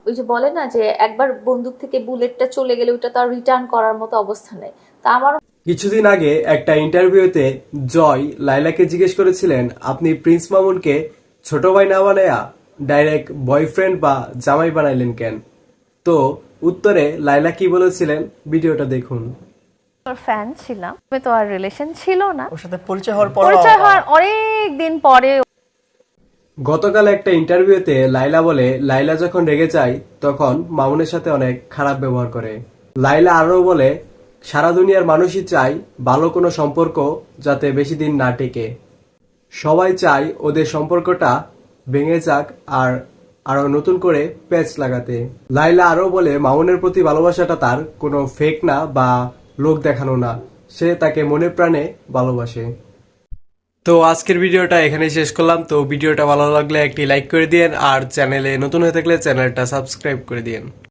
ওই যে বলে না যে একবার বন্দুক থেকে বুলেটটা চলে গেলে ওটা তো আর রিটার্ন করার মতো অবস্থা নেই। তা আমার কিছুদিন আগে একটা ইন্টারভিউতে জয় লাইলাকে জিজ্ঞেস করেছিলেন, আপনি প্রিন্স মামুনকে ছোট ভাই না বানায়া ডাইরেক্ট বয়ফ্রেন্ড বা জামাই বানাইলেন কেন? তো উত্তরে লাইলা কি বলেছিলেন, ভিডিওটা দেখুন। ওর ফ্যান ছিলাম, তো আর রিলেশন ছিল না। ওর সাথে পরিচয় হওয়ার পর পরিচয় হওয়ার অনেক দিন পরে গতকাল একটা ইন্টারভিউতে লাইলা বলে, লাইলা যখন রেগে যায় তখন মামুনের সাথে অনেক খারাপ ব্যবহার করে। লাইলা আরো বলে, সারা দুনিয়ার মানুষই চায় ভালো কোনো সম্পর্ক যাতে বেশি দিন না টেকে। সবাই চায় ওদের সম্পর্কটা ভেঙে যাক আর আরো নতুন করে প্যাচ লাগাতে। লাইলা আরো বলে, মামুনের প্রতি ভালোবাসাটা তার কোনো ফেক না বা লোক দেখানো না, সে তাকে মনে প্রাণে ভালোবাসে। তো আজকের ভিডিওটা এখানেই শেষ করলাম। তো ভিডিওটা ভালো লাগলে একটি লাইক করে দিয়েন আর চ্যানেলে নতুন হয়ে থাকলে চ্যানেলটা সাবস্ক্রাইব করে দিয়েন।